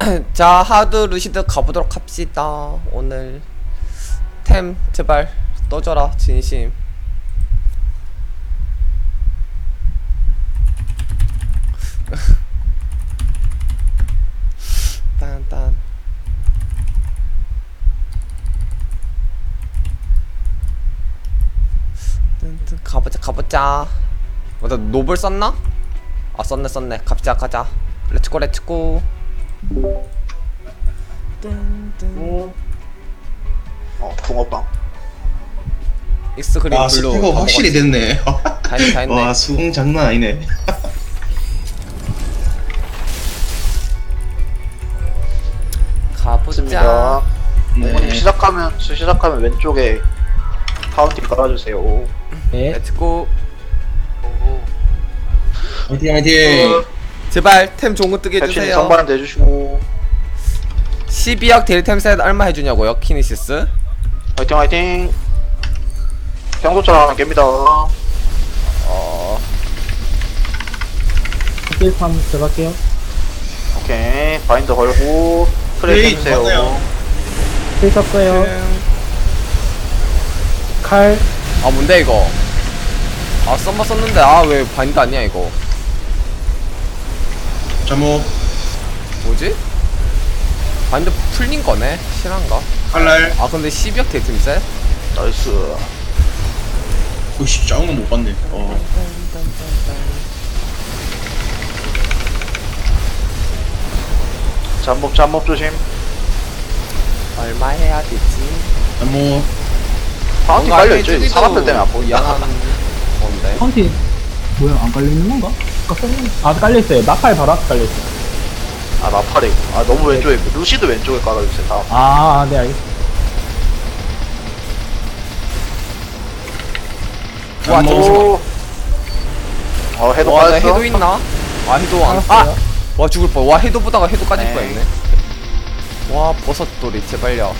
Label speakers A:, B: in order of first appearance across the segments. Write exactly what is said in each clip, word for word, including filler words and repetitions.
A: 자, 하드 루시드 가보도록 합시다. 오늘 템 제발 떠줘라 진심. 딴딴 딴딴 가보자 가보자. 맞다, 노블 썼나? 아 썼네 썼네. 갑시다 가자. 렛츠고 렛츠고.
B: 오. 어, 붕어빵.
A: 익스그린
C: 아,
A: 블루
C: 스피커
A: 다
C: 확실히
A: 먹었지.
C: 됐네.
A: 다 했네 다 했네.
C: 와, 수긍 장난 아니네.
A: 가보자.
B: 좋습니다.
C: 네.
B: 어머님 시작하면 시작하면 왼쪽에 파운틴 깔아주세요.
D: 네.
A: 렛츠고.
C: 화이팅, 화이팅!
A: 제발 템 좋은 거 뜨게
B: 백신이
A: 해주세요.
B: 선반 내주시고
A: 십이억 딜템 셋 얼마 해주냐고요? 키니시스?
B: 화이팅 화이팅. 평소처럼 깹니다.
A: 어...
D: 흑딜팜 들어갈게요.
B: 오케이 바인더 걸고
C: 플레이
B: 프레이 해주세요.
C: 맞아요.
D: 힐 썼어요. 칼.
A: 아 뭔데 이거? 아 썸머 썼는데 아 왜 바인드 아니야 이거?
C: 자모,
A: 뭐지? 바인드 풀린 거네? 실한가?
C: 칼날.
A: 아 근데 십이억 딜템 셋?
B: 나이스.
C: 오씨, 작은 건 못 봤네. 어.
B: 잠복 잠복 조심.
A: 얼마 해야 되지?
C: 자모,
B: 파운틴
A: 뭔가
B: 깔려있죠.
A: 해주기도
B: 사람들 때문에 안 보인다.
A: 이상한 건데?
D: 파운틴. 뭐야, 안 깔려있는 건가? 아까 썼는데. 아, 깔려있어요. 나팔 바로 앞에 깔려있어요.
B: 아 나팔이고. 아 너무 왼쪽에 있고. 루시드 왼쪽에 깔아주세요. 다음.
D: 아, 네, 알겠습니다.
A: 와
C: 자모.
A: 잠시만.
B: 오. 어 해도
A: 와, 나
B: 빠졌어.
A: 해도 있나? 아 해도 안.. 아!
D: 알았어요.
A: 와 죽을 뻔. 와 해도 보다가 해도 까질
B: 네.
A: 뻔했네. 와 버섯돌이 제발요.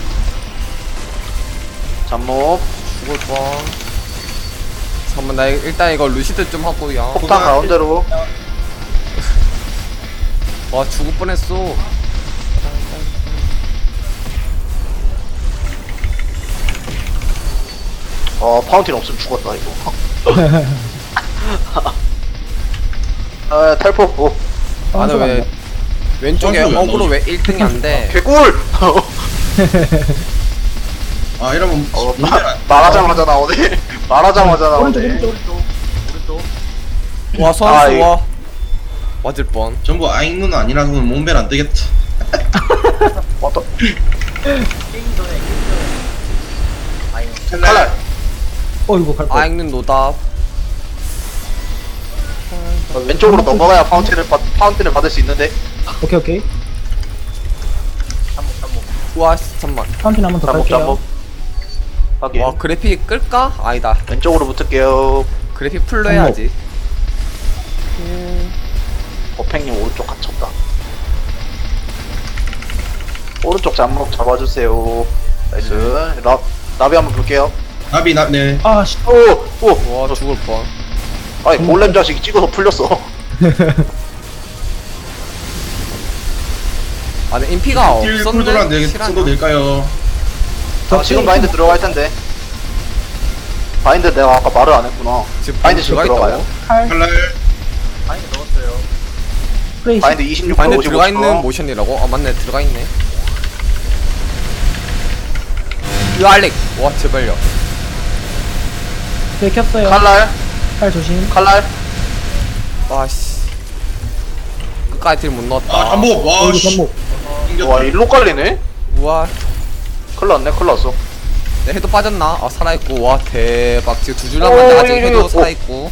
B: 잠복.
A: 죽을 뻔. 잠깐만 나 일단 이거 루시드 좀 하고요.
B: 폭탄 가운데로.
A: 와 죽을 뻔했어.
B: 어 파운틴 없으면 죽었다 이거. 아 탈포. 오.
A: 아니 왜 왼쪽에
C: 선수 왜
A: 어그로
C: 나오지?
A: 왜 일 등이 안 돼?
B: 개꿀.
C: 아, 이러면
B: 어,
C: 뭔데?
B: 마, 말하자마자 나오네. 말하자마자
D: 오른쪽,
B: 나오네.
D: 오른쪽.
A: 와
B: 아,
A: 선수
B: 이-
A: 와 맞을 뻔.
C: 전부 아잉 누나 아니라서는 몸벨 안 되겠다.
B: 왔다.
C: 칼날.
B: 칼날.
D: 어이구, 칼 뻔.
A: 아잉는 노답.
B: 어, 왼쪽으로 넘어가야 파운틴을 받, 파운틴을 받을 수 있는데.
D: 오케이, 오케이.
A: 와 씨, 잠만.
D: 파운틴 한 번 더
B: 잠복
D: 깔게요.
B: 잠복. 확인.
A: 와 그래픽 끌까? 아니다.
B: 왼쪽으로 붙을게요.
A: 그래픽 풀로 해야지.
B: 버팽님 오른쪽 갇혔다. 오른쪽 잠복 잡아주세요. 나이스. 나 나비 한번 볼게요.
C: 나비, 나, 네.
D: 아, 씨.
B: 오, 오.
A: 와 죽을 뻔.
B: 아니 골렘 자식이 찍어서 풀렸어.
A: 아 근데 인피가
C: 딜 풀도랑
A: 없었네.
C: 내, 써도 될까요?
B: 아, 지금 바인드 들어갈 텐데. 바인드 내가 아까 말을 안 했구나.
A: 지금
B: 바인드 지금
A: 들어가
B: 들어가요.
A: 있다고?
D: 칼.
C: 칼날.
D: 프레이시.
B: 바인드 이십육
A: 바인드
B: 오십오
A: 들어가 있는
B: 초.
A: 모션이라고? 아 맞네 들어가 있네. 이 알렉. 와 제발요.
D: 프레이 켰어요.
B: 칼날,
D: 칼 조심.
B: 칼날.
A: 와씨. 끝까지 딜 못 넣었다.
C: 아, 잠복. 와,
D: 어이구,
C: 씨.
D: 잠복.
B: 와 일로 깔리네.
A: 우와.
B: 큰일 났네, 큰일 났어.
A: 내 해도 빠졌나? 아 살아있고. 와 대박. 지금 두 줄
B: 오,
A: 남았는데 아직
B: 이거,
A: 해도
B: 이거.
A: 살아있고.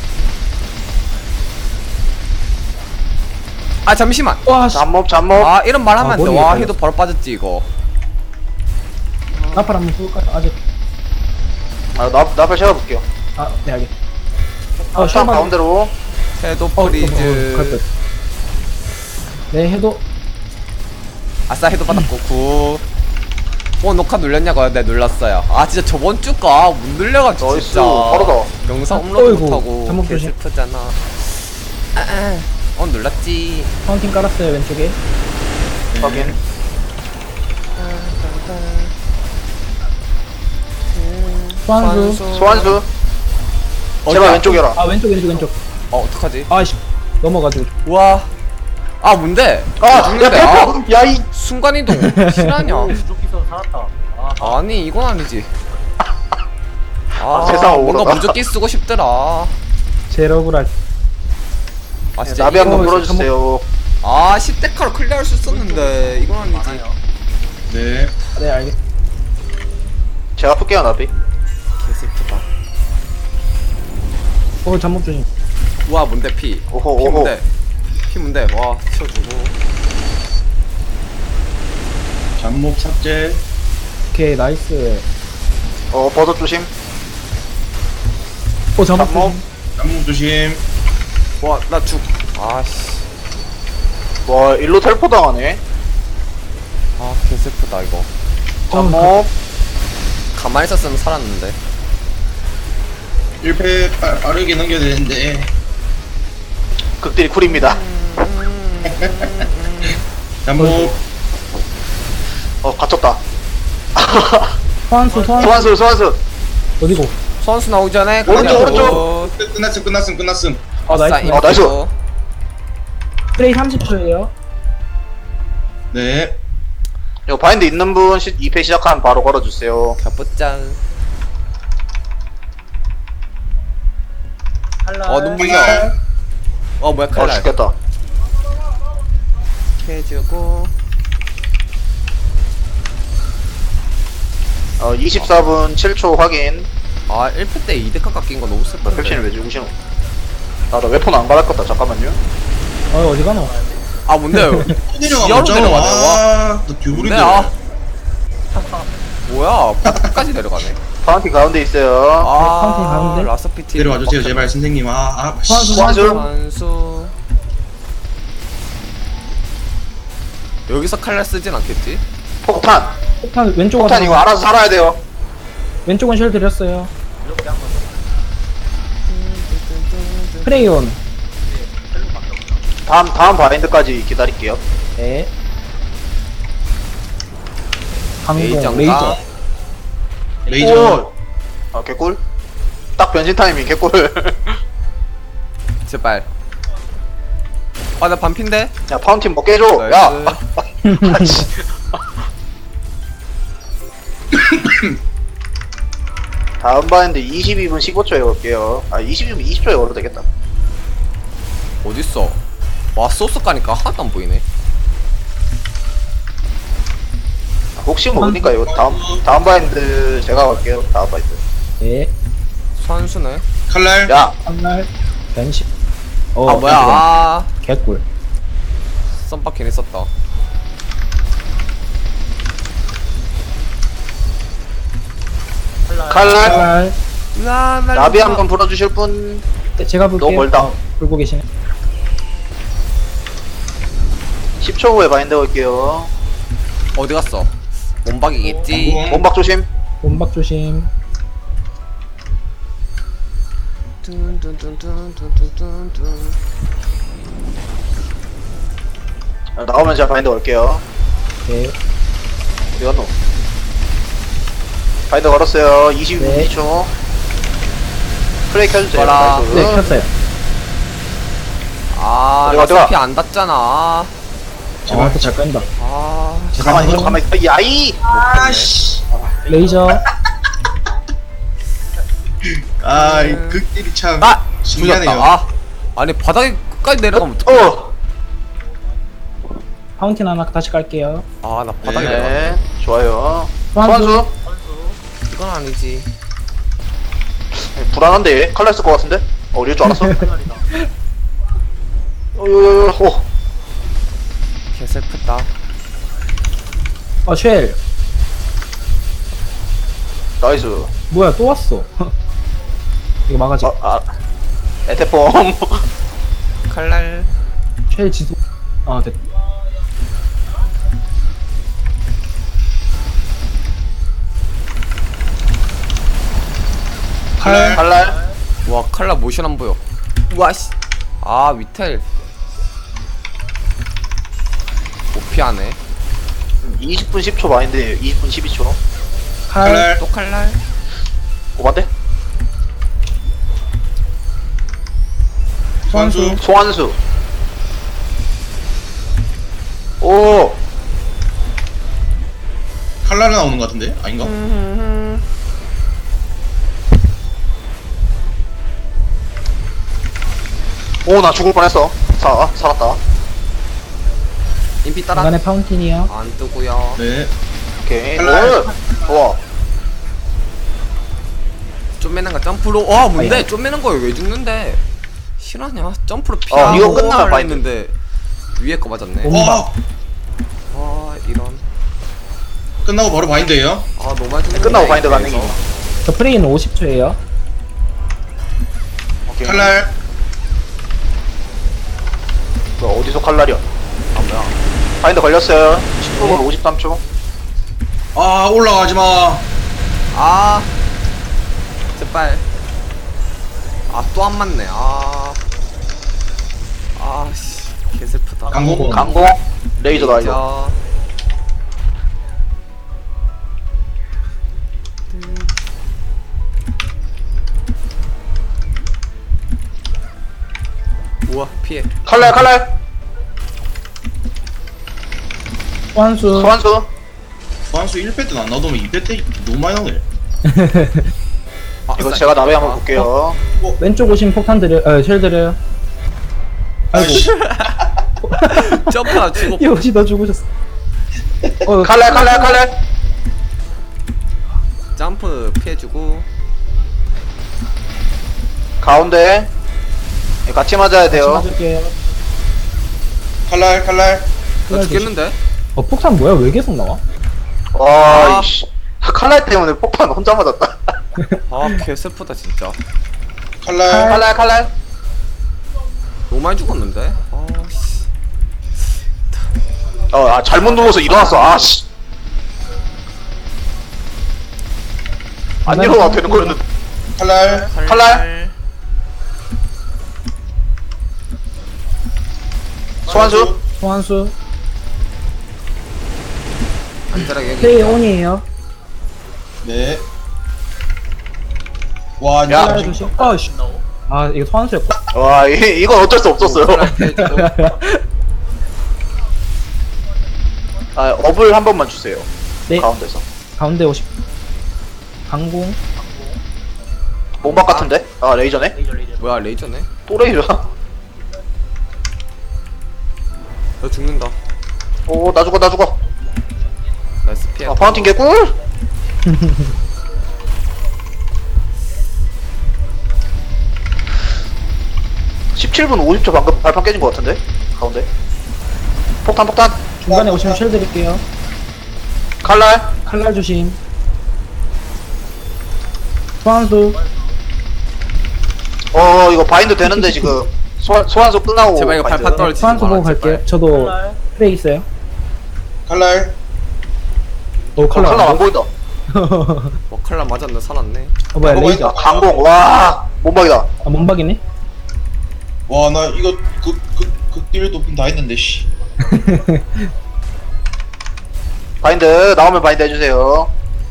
A: 아 잠시만.
D: 와, 씨.
B: 잠몹, 잠몹.
A: 아 이런 말 하면
D: 아,
A: 안돼.
D: 머리에
A: 와
D: 걸렸어.
A: 해도 바로 빠졌지 이거.
D: 나팔 한 번 쏠까요? 아직.
B: 아, 나 나팔 채워볼게요.
D: 아, 네, 알겠. 아,
B: 폭탄
D: ሻ바.
B: 가운데로.
A: 해도
D: 어, 어, 어, 칼
A: 프리즈.
D: 뻔. 네, 해도.
A: 아싸 해도 받았고 굿. 어 녹화 눌렸냐고요? 네 눌렀어요. 아 진짜 저번 주가 못 눌려가지고
B: 나이스,
A: 진짜
B: 빠르다.
A: 영상
D: 아,
A: 업로드
D: 어이구,
A: 못하고
D: 잘못
A: 개
D: 보시-
A: 슬프잖아. 어 눌렀지.
D: 파운틴 깔았어요, 왼쪽에.
C: 네.
B: 확인.
D: 소환수.
B: 소환수. 제발
A: 어디야?
B: 왼쪽이라.
D: 아 왼쪽 왼쪽 왼쪽.
A: 어 어떡하지?
D: 아씨 넘어가지고.
A: 우와. 아 뭔데?
B: 아, 야,
A: 죽는데? 아,
B: 대포! 야, 이.
A: 순간이동 실화냐?
E: 무조기서 살았다. 아,
A: 아니 이건 아니지. 아,
B: 아, 세상
A: 뭔가
B: 억울하다.
A: 무조건 쓰고 싶더라.
D: 제러브랄.
A: 아 진짜
B: 나비 한번
D: 이거
B: 불어주세요.
A: 아 십 대카로 클리어할 수 있었는데 이건 아니지.
E: 많아요.
C: 네.
D: 네 알겠.
B: 제가 풀게요, 나비.
A: 개새끼다.
D: 어 잠복 조심.
A: 우와 뭔데 피?
B: 오호,
A: 피
B: 오호.
A: 뭔데? 피 뭔데? 와 치워주고.
C: 잠목 삭제.
D: 오케이 나이스.
B: 어, 버섯 조심.
D: 어 잠복
B: 잠복.
D: 조심.
C: 잠목 조심.
A: 와나 죽. 아씨.
B: 와, 일로 텔포 당하네.
A: 아 개슬프다 이거.
B: 잠목.
A: 가만히 있었으면 살았는데.
C: 일 패 빠, 빠르게 넘겨야 되는데.
B: 극딜이 쿨입니다.
C: 잠목.
B: 어, 갇혔다.
D: 소환수 소환수.
B: 소환수, 소환수.
D: 어디고?
A: 선수 나오기 전에
B: 오른쪽,
A: 그냥
B: 오른쪽.
A: 뭐
C: 끝- 끝났음 끝났음 끝났음.
D: 아
A: 아싸,
D: 나이스.
B: 어, 나이스.
A: 이거.
D: 프레이 삼십 초예요.
C: 네.
B: 이거 바인드 있는 분 이 패 시작하면 바로 걸어주세요.
A: 갸뿌짱.
E: 칼날.
A: 어 눈물이야. 어 뭐야
B: 어,
A: 칼날.
B: 죽겠다.
A: 해주고.
B: 어, 이십사 분 칠 초 확인.
A: 아 일 패 때 이 대카 깎인 거 너무
B: 나
A: 슬픈데.
B: 펩신을 왜 죽으시노? 나, 나 웨폰 안 갈았겠다. 잠깐만요.
D: 어 어디 가노?
A: 아 뭔데요?
C: 또 내려가
A: 지하로
C: 보자.
A: 내려가네, 와.
C: 아, 너 듀블인데.
A: 뭔데 아. 뭐야 바닥까지 내려가네.
B: 파운틴 가운데 있어요.
A: 아
D: 파운틴 가운데?
A: 라스피티.
C: 내려와 주세요 제발 선생님. 아, 아, 씨.
D: 소환수
B: 소환수.
D: 소환수.
A: 한수. 여기서 칼날 쓰진 않겠지?
B: 폭탄.
D: 폭탄 왼쪽
B: 폭탄
D: 와서-
B: 이거 알아서 살아야 돼요.
D: 왼쪽은 쉘 드렸어요.
E: 이렇게 한번
D: 프레이온.
B: 다음, 다음 바인드까지 기다릴게요.
D: 네.
A: 레이저인가?
D: 항공 레이저.
C: 레이저.
B: 오! 아, 개꿀? 딱 변신 타이밍 개꿀.
A: 제발. 아 나 반핀데?
B: 야, 파운틴 먹게 해줘. 야!
A: 나이스.
B: 아, 씨. 다음 바인드 이십이 분 십오 초에 걸게요. 아, 이십이 분 이십 초에 걸어도 되겠다.
A: 어딨어? 와 소스 까니까 하나도 안 보이네.
B: 혹시 모르니까 이거 다음, 다음 바인드 제가 걸게요. 다음 바인드.
D: 네.
A: 선수네.
C: 칼날.
B: 야!
D: 한날 변신. 어
A: 아 뭐야? 아
D: 개꿀.
A: 썸바퀴는 있었다.
E: 칼날.
B: 칼날!
D: 한날.
A: 나
B: 나비 한번 불어주실 분?
D: 네, 제가 볼게요.
B: 너무 멀다.
D: 어, 불고 계시네.
B: 십 초 후에 바인드 걸게요.
A: 어디 갔어? 몸박이겠지.
C: 어,
B: 몸박 조심.
D: 몸박 조심.
A: 둔둔둔둔둔둔둔둔.
B: 아, 나오면 제가 바인드 걸게요.
D: 네.
B: 어디 갔노? 바인드 걸었어요. 이십이 분
D: 네.
B: 이 초. 프레이 켜주세요.
A: 걸어라.
B: 나이스.
D: 네 켰어요.
A: 아
B: 어디가, 어디가?
A: 라스피 안 닿잖아.
C: 제발.
D: 아, 잘 뺀다.
A: 아
B: 가만히 있어, 가만히 있어. 야이!
C: 아씨.
D: 레이저.
C: 아, 이 극딜이 참
A: 아!
C: 신기하네요.
A: 죽였다. 아 아니 바닥에 끝까지 내려가면 어떡해.
B: 어!
D: 파운틴 하나 다시 깔게요.
A: 아나 바닥에 내려가.
B: 네, 좋아요.
D: 소환수.
B: 소환수.
E: 선수.
A: 이건 아니지.
B: 불안한데 칼날 쓸 것 같은데? 어, 이럴 줄 알았어?
E: 칼날이다.
B: 어, 요, 요, 요, 오.
A: 개슬프다.
D: 어 쉘.
B: 나이스.
D: 뭐야 또 왔어. 이거 막아지.
B: 아, 아. 에테폼.
A: 칼날.
D: 쉘 지속. 아 됐.
C: 칼날.
B: 칼날.
A: 와 칼날 모션 안 보여. 와씨. 아 위텔. 못 피하네.
B: 이십 분 십 초 마인드 이십 분 십이 초.
D: 칼.
C: 칼날.
A: 또 칼날.
B: 오반데?
C: 소환수.
B: 송환수. 오.
C: 칼날 나오는 것 같은데? 아닌가?
B: 오, 나 죽을 뻔했어. 사, 살았다.
A: 인피 따라.
D: 중간에 파운틴이요.
A: 안 뜨고요.
C: 네.
B: 오케이.
C: 칼날.
B: 오, 좋아.
A: 쫌매는 거 점프로. 와 뭔데?
D: 아야.
A: 쫌매는 거에 왜 죽는데? 실화냐? 점프로
B: 어,
A: 피하고
B: 이거 끝나면
A: 하려
B: 바인드.
A: 했는데 위에 거 맞았네.
D: 오.
C: 와!
A: 아 이런.
C: 끝나고 바로 바인드예요.
A: 아 너무 많이 죽는데.
B: 끝나고 바인드 가는
A: 이래서.
B: 게.
D: 저 프레이는 오십 초예요.
B: 오케이.
C: 칼날.
B: 너 어디서 칼날이야? 아, 뭐야. 바인드 걸렸어요. 십 분 오십삼 초.
C: 아, 올라가지 마.
A: 아 제발. 아 또 안 맞네. 아. 아씨 개슬프다.
C: 강공.
B: 강공. 레이저다, 이거. 우와 피해. 칼날, 칼날.
D: 소환수.
B: 소환수.
C: 소환수 일 패 때는 안 나오면 이 패 때 너무 많이 나오네.
A: 아,
B: 이거
A: 싸-
B: 제가 나비 한번
A: 아,
B: 볼게요.
D: 왼쪽 오신 폭탄 드려, 어, 쉘 드려요. 아이고.
C: 아이씨.
A: 점프나 죽어.
D: 이것이 다 죽으셨어. 어,
B: 칼날, 칼날, 칼날.
A: 점프 피해주고.
B: 가운데. 예, 같이 맞아야 돼요.
D: 맞을게요.
C: 칼날, 칼날.
A: 나 죽겠는데?
D: 어, 폭탄 뭐야? 왜 계속 나와?
B: 와, 이씨. 칼날 때문에 폭탄 혼자 맞았다.
A: 아 개슬프다 진짜.
C: 칼날.
B: 칼날, 칼날.
A: 너무 많이 죽었는데? 아씨.
B: 어, 아, 잘못 누워서 일어났어. 아, 씨. 안 일어나 되는 거였는데.
C: 칼날.
B: 칼날. 소환수.
D: 소환수.
A: 안전하게 여기.
D: 플레이 온이에요.
C: 네. 와,
B: 야.
D: 칼
C: 진짜.
D: 조심. 아, 씨. 아, 이거 소환수였고.
B: 와, 이, 이건 어쩔 수 없었어요. 아, 업을 한 번만 주세요.
D: 네.
B: 가운데서.
D: 가운데 오십. 강공.
B: 몸박 같은데? 아, 레이저네?
E: 레이저 레이저.
A: 뭐야 레이저네?
B: 또 레이저?
A: 너 죽는다.
B: 오, 나 죽어, 나 죽어.
A: 나이스 피해.
B: 아, 파운틴 개꿀? 십칠 분 오십 초 방금 발판 깨진 것 같은데? 가운데. 폭탄, 폭탄.
D: 중간에 오시면 쉘 드릴게요.
B: 칼날.
D: 칼날 조심. 소환수.
B: 어, 이거 바인드 되는데, 지금. 소환, 소환수 끝나고.
A: 제발 이거
B: 바인드.
A: 발판 떨어지지
D: 소환수
A: 마라,
D: 보고
A: 제발.
D: 갈게요. 저도
E: 칼날.
D: 프레이 있어요.
C: 칼날.
D: 오,
B: 어,
D: 칼날.
B: 칼날 안 보인다.
A: 뭐 칼날 맞았는데 살았네.
D: 어, 뭐야,
C: 어,
D: 레이저.
B: 아, 강공. 와, 몸박이다.
D: 아, 몸박이네?
C: 와, 나 이거 극, 극, 극딜 높임 다 했는데, 씨.
B: 바인드, 나오면 바인드 해주세요.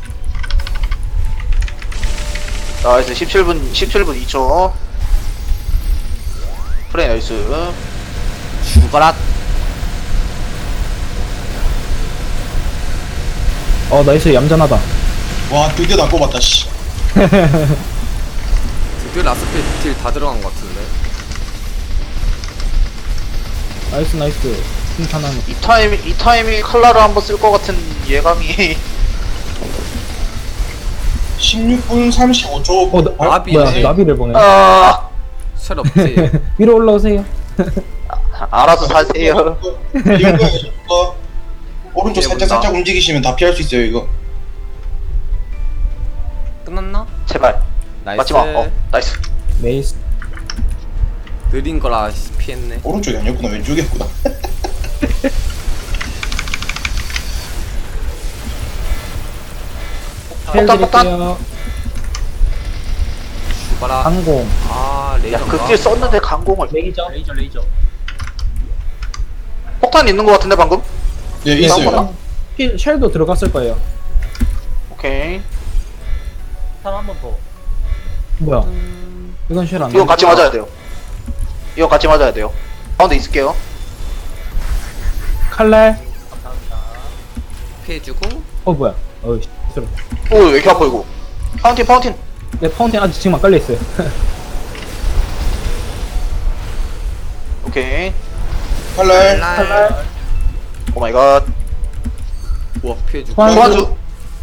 B: 나이스, 십칠 분, 십칠 분 이 초. 프레이 나이스.
A: 죽어라.
D: 어, 나이스. 얌전하다.
C: 와, 드디어 나 뽑았다, 씨.
A: 드디어 라스트 딜다 들어간 것 같은데.
D: 나이스, 나이스. 칭찬하는.
B: 이 타임, 이 타임이 칼라를 한번 쓸 것 같은 예감이.
C: 십육 분 삼십오 초.
D: 어, 나, 어,
A: 나비네.
D: 뭐야, 나비를 보네.
B: 아,
A: 쉘 없지.
D: 위로 올라오세요.
B: 알아서 사세요.
C: 이거, 이거. 오른쪽
A: 예,
C: 살짝
A: 본다.
C: 살짝 움직이시면 다 피할 수 있어요, 이거.
A: 끝났나?
B: 제발.
A: 나이스.
B: 맞지 마. 어, 나이스.
D: 메이스.
A: 느린 거라 씨, 피했네.
C: 오른쪽이 아니었구나, 왼쪽이었구나.
D: 쉘
B: 폭탄, 폭탄.
D: 드릴게요.
A: 죽어라.
D: 강공.
A: 아
B: 야,
A: 레이저인가?
B: 극딜 썼는데 강공을.
D: 레이저.
E: 레이저 레이저.
B: 폭탄 있는 것 같은데, 방금?
C: 네,
B: 다음
C: 있어요.
B: 거나?
D: 힐, 쉘도 들어갔을 거예요.
B: 오케이.
E: 탄 한 번 더.
D: 뭐야? 이건 쉘 안
B: 이건
D: 나.
B: 같이 맞아야 돼요. 이건 같이 맞아야 돼요. 가운데 있을게요.
D: 칼날.
E: 감사합니다.
A: 피해주고.
D: 어 뭐야? 어이 싫어.
B: 오, 왜 이렇게 아파, 이거. 파운틴, 파운틴.
D: 내 파운틴 아직 지금 안 깔려 있어요.
B: 오케이.
C: 칼날.
A: 칼날.
B: 오 마이 갓.
A: 우와, 피해주고.
D: 소환수.
B: 소환수.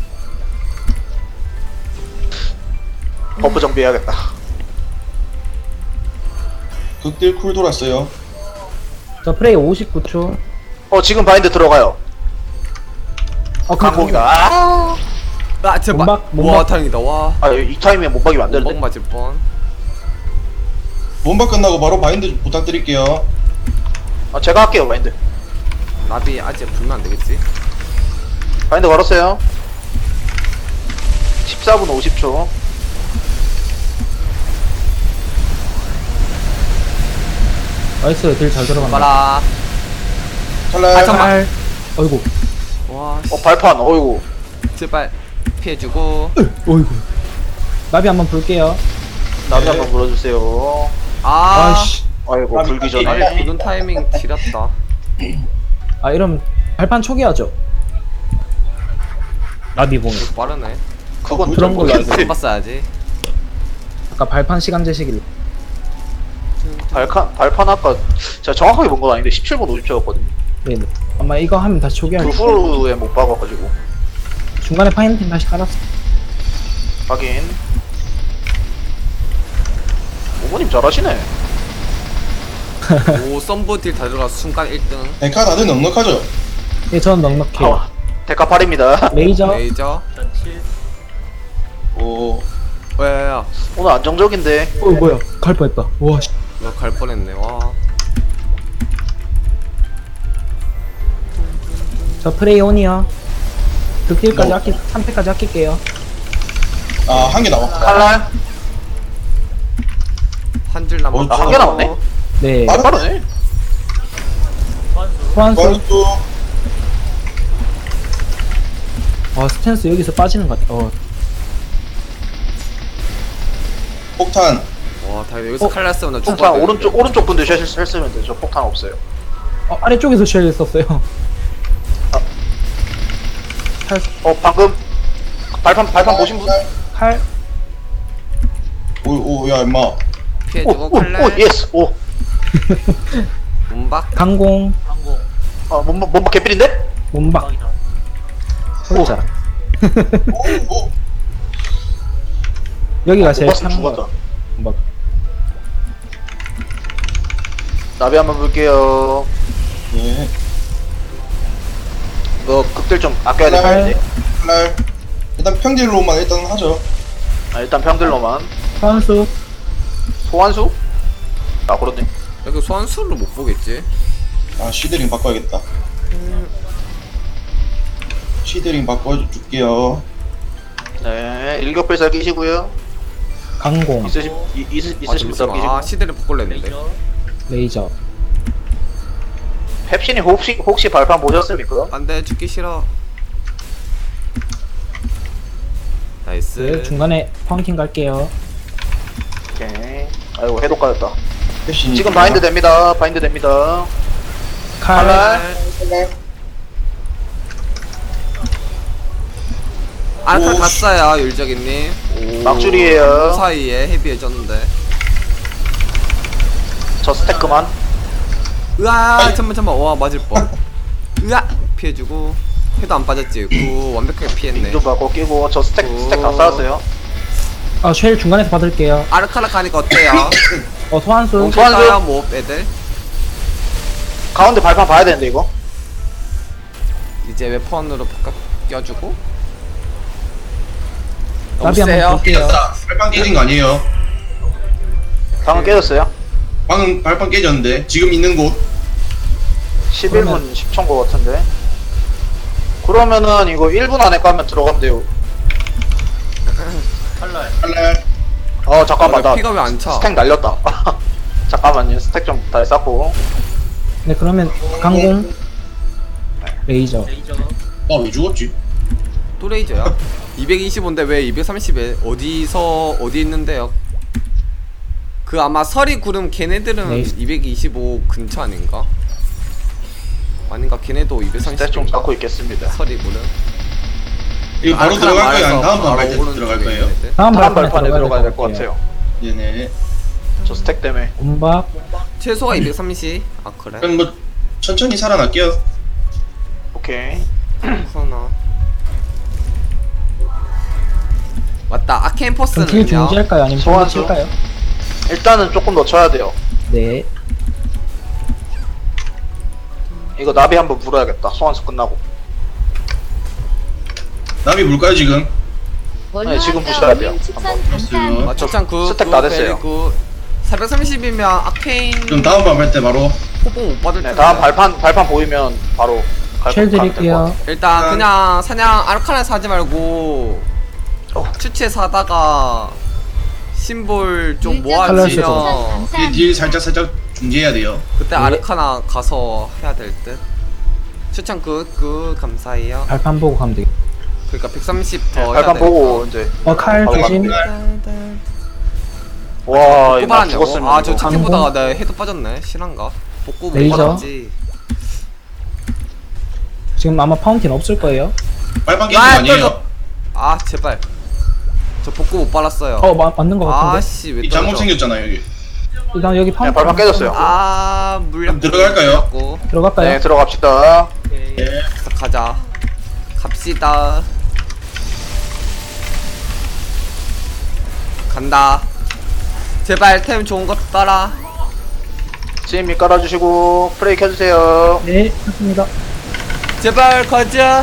B: 버프 정비해야겠다.
C: 극딜 쿨 돌았어요.
D: 저 프레이 오십구 초.
B: 어, 지금 바인드 들어가요.
D: 어 그럼
B: 강공이다. 아,
A: 아, 제발.
D: 몸박,
A: 와,
D: 몸박.
A: 다행이다. 와.
B: 아, 이 타이밍에 못 박이면 안
A: 몸박
B: 되는데.
A: 맞을 뻔.
C: 몸박 끝나고 바로 바인드 부탁드릴게요.
B: 아, 제가 할게요, 바인드.
A: 나비 아직 불면 안 되겠지?
B: 바인드 걸었어요. 십사 분 오십 초.
D: 나이스 딜 잘 들어간다.
A: 봐라.
C: 칼날.
A: 아, 잠깐만.
D: 칼. 어이구.
A: 와, 씨.
B: 어, 발판, 어이구.
A: 제발. 피해주고.
D: 어이구. 나비 한번 볼게요.
B: 나비
C: 네.
B: 한번 물어주세요.
A: 아,
D: 아씨.
B: 아이고,
C: 나비,
B: 불기
A: 날
B: 전에.
A: 부는 타이밍 지렸다.
D: 아 이러면 발판 초기화죠. 나비 보면.
A: 빠르네.
B: 그건
D: 그런 걸로 알고
B: 모르겠는데.
A: 봤어야지.
D: 아까 발판 시간 제시길.
B: 발판, 발판 아까 제가 정확하게 본 건 아닌데 십칠 분 오십 초였거든요.
D: 네네. 아마 이거 하면 다시 초기화.
B: 그 후에 못 박아가지고.
D: 중간에 파인팅 다시 깔았어.
B: 확인. 어머님 잘하시네.
A: 오, 썸보 딜 다 들어가서 순간 일 등.
C: 데카 다들 넉넉하죠?
D: 예, 저는 넉넉해요.
B: 아, 데카 팔입니다.
D: 레이저.
A: 레이저.
E: 전 칠.
C: 오.
A: 어, 야, 야, 야.
B: 오늘 안정적인데.
D: 어 뭐야? 갈 뻔했다. 와 씨.
A: 너 갈 뻔했네. 와.
D: 저 프레이 온이요. 득딜까지
C: 뭐?
D: 아낄 삼 패까지 아낄게요.
C: 아, 한 개 나왔다.
B: 칼날.
A: 한 줄 남았다.
C: 어,
B: 한 개 남았네?
D: 네.
C: 빠르네.
B: 빠르네.
E: 소환수.
D: 소환수.
C: 소환수.
D: 아 스탠스 여기서 빠지는 것 같아. 어.
C: 폭탄.
A: 와, 다 여기서
D: 어?
A: 칼날 쓰면 나
B: 폭탄
A: 죽어야
B: 오른쪽 오른쪽 분들 쉘 쓰면 되죠. 폭탄 없어요.
D: 어 아래쪽에서 쉘 썼어요.
B: 아.
D: 칼.
B: 어, 방금 발판 발판 보신 분?
D: 칼.
C: 오, 오, 야, 임마.
B: 오,
A: 피해주고
B: 오,
A: 칼날.
B: 오, 예스. 오.
A: 몸박.
D: 강공.
E: 항공.
B: 아, 몸 몸 개필인데?
D: 몸박.
E: 대박이다.
D: 홀자.
C: 오, 오.
D: 여기가 제일
B: 봤으면
D: 편한 거.
B: 죽었다.
D: 몸박.
B: 나비 한번 볼게요.
C: 예.
B: 이거 극들 좀 아껴야 될
D: 칼.
B: 텐데.
C: 칼날. 일단 평딜로만 일단 하죠.
B: 아, 일단 평들로만.
D: 소환수.
B: 소환수? 아, 그렇네.
A: 여기 소환수를 못 보겠지?
C: 아, 시드링 바꿔야겠다. 시드링 바꿔줄게요.
B: 네, 일격필살 끼시고요.
D: 강공.
B: 있으시 이- 있,
A: 아,
B: 있으시면 더
A: 잠시만.
B: 끼시고.
A: 아, 시대를 바꿀랬는데.
E: 레이저.
D: 레이저.
B: 펩신이 혹시 혹시 발판 보셨습니까?
A: 안 돼, 죽기 싫어. 나이스.
D: 네, 중간에 파운틴 갈게요.
B: 오케이. 아이고, 해독 가졌다.
C: 패신이
B: 지금 바인드 됩니다. 바인드 됩니다.
D: 칼.
B: 칼날.
A: 아칼
B: 오,
A: 갔어요, 율적이님. 오,
B: 막줄이에요.
A: 그 사이에 헤비해졌는데.
B: 저 스택 그만.
A: 으아, 잠만 잠만. 와, 맞을 뻔. 으아, 피해주고. 해도 안 빠졌지. 구 완벽하게 피했네.
B: 좀 바꿔 끼고 저 스택 스택 다 쌓았어요.
D: 아 쉘 중간에서 받을게요.
A: 아르카락 하니까 어때요?
D: 어 소환수.
B: 소환수.
A: 소환수 뭐 애들
B: 가운데 발판 봐야 되는데 이거.
A: 이제 웨펀으로 바꿔 껴주고. 너무
D: 나비 한번
A: 세요.
D: 볼게요.
C: 발판 깨진 거 아니에요?
B: 방금 깨졌어요.
C: 방금 발판 깨졌는데 지금 있는 곳.
B: 십일 분 십 초인 거 같은데. 그러면은 이거 일 분 안에 까면 들어가면 돼요.
E: 칼날.
C: 칼날.
B: 어, 잠깐만.
A: 어, 나
B: 나
A: 피가 왜 안 차?
B: 스택 날렸다. 잠깐만요. 스택 좀 다 쌓고.
D: 네 그러면 강공. 레이저.
E: 레이저.
C: 나왜 죽었지?
A: 또 레이저야? 이백이십오인데 왜 이백삼십에 어디서 어디 있는데요? 그 아마 서리 구름 걔네들은
D: 네.
A: 이백이십오 근처 아닌가? 아닌가? 걔네도 이백삼십
B: 스탯 좀 쌓고 있겠습니다.
A: 서리 구름.
C: 이거 바로
A: 아,
C: 들어갈 거예요?
A: 말해서
C: 아니면 다음
A: 바로
C: 발때
A: 오른쪽에
C: 들어갈 거예요?
A: 있는데.
D: 다음
B: 다음
D: 발판에
B: 발판에 들어가야 될 것
D: 같아요.
B: 같아요.
C: 네네.
B: 저 스택 때문에.
D: 온박.
A: 최소가 이백삼십. 아 그래?
C: 그럼 뭐 천천히 살아날게요.
B: 오케이.
A: 하나. 맞다. 아케인
D: 그럼 길
A: 퍼스는요?
D: 중지할까요? 아니면
B: 소환수?
D: 칠까요?
B: 일단은 조금 더 쳐야 돼요.
D: 네.
B: 이거 나비 한번 물어야겠다. 소환수 끝나고.
C: 남이 물까요 지금?
B: 네, 지금 부셔야 돼요.
F: 추천
B: 한번.
F: 감사합니다.
A: 맞췄장 구.
B: 스택 다 됐어요.
A: 사백삼십이면 아케인
C: 그럼 다음 발때 바로
A: 호봉 못 받을
B: 네,
A: 텐데.
B: 다음 발판 발판 보이면 바로 갈-
D: 쉘
B: 가면 될것
D: 드릴게요.
B: 같아요.
A: 일단
C: 아.
A: 그냥 사냥 아르카나 사지 말고
B: 어.
A: 추체 사다가 심볼 좀
D: 컬러스
F: 추천
A: 모아지면
C: 딜,
F: 감사합니다.
C: 딜 살짝 살짝 중지해야 돼요.
A: 그때
D: 네.
A: 아르카나 가서 해야 될 듯. 추천 굿굿 감사해요.
D: 발판 보고 가면 되겠다.
A: 그러니까 백삼십 더 해야
B: 발판
A: 되니까.
B: 보고 이제
D: 어, 칼
B: 바로
D: 조심.
B: 가면 와, 이거 나
A: 뽑아놨냐고?
B: 죽었으면
A: 아저
B: 이거.
A: 차키
D: 강공?
A: 보다가 내 해도 빠졌네. 실한가? 복구 못
D: 레이저?
A: 받았지.
D: 지금 아마 파운틴 없을 거예요.
C: 빨판 깨진 거
A: 아,
C: 아니에요?
A: 떨어. 아 제발. 저 복구 못 받았어요.
D: 어, 마, 맞는 거 같은데.
A: 아씨 왜
C: 이 장검
A: 떨어져?
C: 생겼잖아요 여기.
D: 일단 여기
B: 네,
D: 파운틴.
B: 발판 깨졌어요.
A: 아 물량
C: 그럼 들어갈까요?
A: 고
D: 들어갈까요?
B: 네, 들어갑시다.
A: 오케이.
C: 예.
A: 가자. 갑시다. 간다. 제발 템 좋은 거 따라.
B: 지임이 깔아주시고 프레이 켜주세요.
D: 네, 좋습니다.
A: 제발 가자.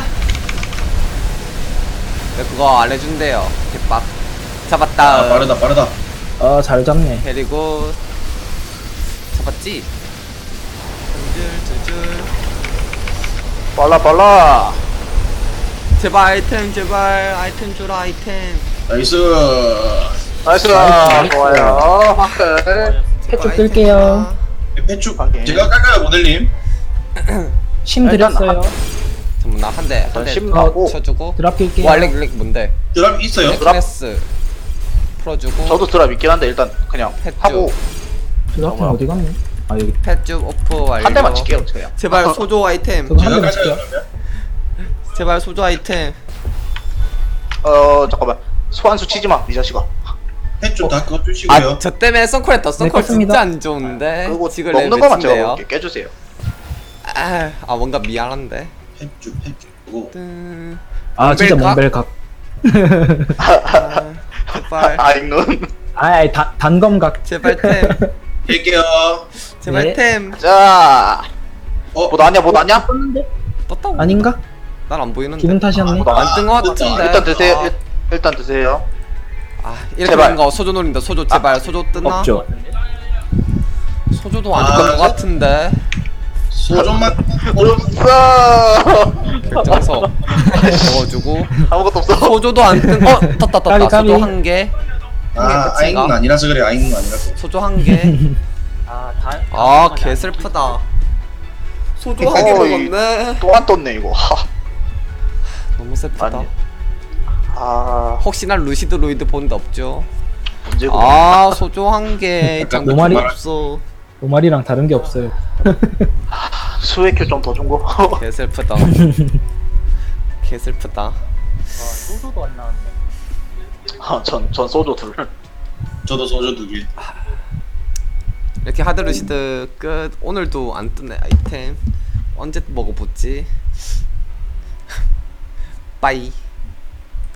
A: 네, 그거 안 해준대요. 개빡. 잡았다.
C: 아 빠르다 빠르다.
D: 아, 잘 잡네.
A: 데리고 잡았지. 한 줄, 두 줄.
B: 빨라 빨라.
A: 제발 아이템, 제발 아이템 줘라 아이템.
C: 나이스.
B: 나이스.
D: 나이스.
B: 좋아요. 화클.
D: 패쪽
A: 아이템
D: 뜰게요.
A: 줘라.
C: 패축
B: 오케이.
C: 제가 깔까요 모델님?
D: 심
B: 일단
D: 드렸어요.
A: 잠깐만 나 한 대, 한
B: 전
A: 대
B: 심하고
A: 쳐주고.
D: 드랍 낄게요.
A: 와 렉, 렉 뭔데?
C: 드랍 있어요?
B: 드랍?
A: 클래스 풀어주고.
B: 저도 드랍 있긴 한데 일단 그냥
A: 했죠.
B: 하고
D: 드랍은 어디 갔네? 아, 여기.
A: 펫줍 오프 완료.
B: 한 대만 칠게요 그냥.
A: 제발 소조 아이템.
D: 저거
C: 제가
D: 한 대만
C: 깔까요
D: 칠게요.
C: 그러면?
A: 제발 소조 아이템.
B: 어 잠깐만. 소환수 치지 마, 이 자식아.
C: 패축 다 꺼주시고요.
A: 아 저 때문에 썬콜 했다. 썬콜
D: 네,
A: 진짜
D: 껐습니다.
A: 안 좋은데.
B: 그리고
A: 지금
B: 먹는
A: 레벨
B: 것만 제가
A: 몇인데요?
B: 먹을게. 깨주세요.
A: 아, 아 뭔가 미안한데.
C: 패축 패축. 오.
A: 뜬.
D: 아, 진짜
A: 몽벨각?
D: 몽벨각.
A: 아, 제발
B: 아 읽는.
D: 아이, 단, 단검각.
A: 제발 템.
C: 깰게요.
A: 제발
D: 네.
A: 템.
B: 자.
C: 어?
B: 뭐 나냐 뭐 나냐?
D: 떴는데?
A: 떴다고?
D: 아닌가?
A: 난 안 보이는데.
D: 기분 탓이었네.
B: 아,
A: 안 뜬 거 같은데.
B: 일단 드세요.
A: 아,
B: 일, 일단 드세요.
A: 아 이렇게
B: 제발.
A: 되는 거 소조 노린다. 소조 제발 소조 뜬나?
D: 없죠.
A: 소조도 안
C: 아,
A: 뜬 거
C: 저-
A: 같은데.
C: 소좀만.
B: 없어.
A: 결정석 넣어주고.
B: 아무것도 없어.
A: 소조도 안 뜬. 어 떴다 떴다.
D: 까비, 까비.
A: 소조 한 개.
C: 아 아잉은 아니라서 그래. 아잉은 아니라서.
A: 소조 한 개.
E: 아, 다.
A: 아 개슬프다. 소조 한 개
B: 어이.
A: 먹었네.
B: 또 안 떴네 이거. 하.
A: 너무 슬프다.
B: 아니. 아
A: 혹시나 루시드 로이드 본데 없죠?
B: 문제고.
A: 아 소조 한 개. 장비
D: 노말이-
A: 없어.
D: 노말이랑 다른 게 없어요.
B: 수액큐 좀 더 준 거.
A: 개슬프다. 개슬프다.
E: 와, 소주도 안 나왔네.
B: 아, 전, 전 소주 둘.
C: 저도 소주 두 개.
A: 이렇게 하드 루시드 끝. 오늘도 안 뜨네 아이템. 언제 먹어보지? 빠이.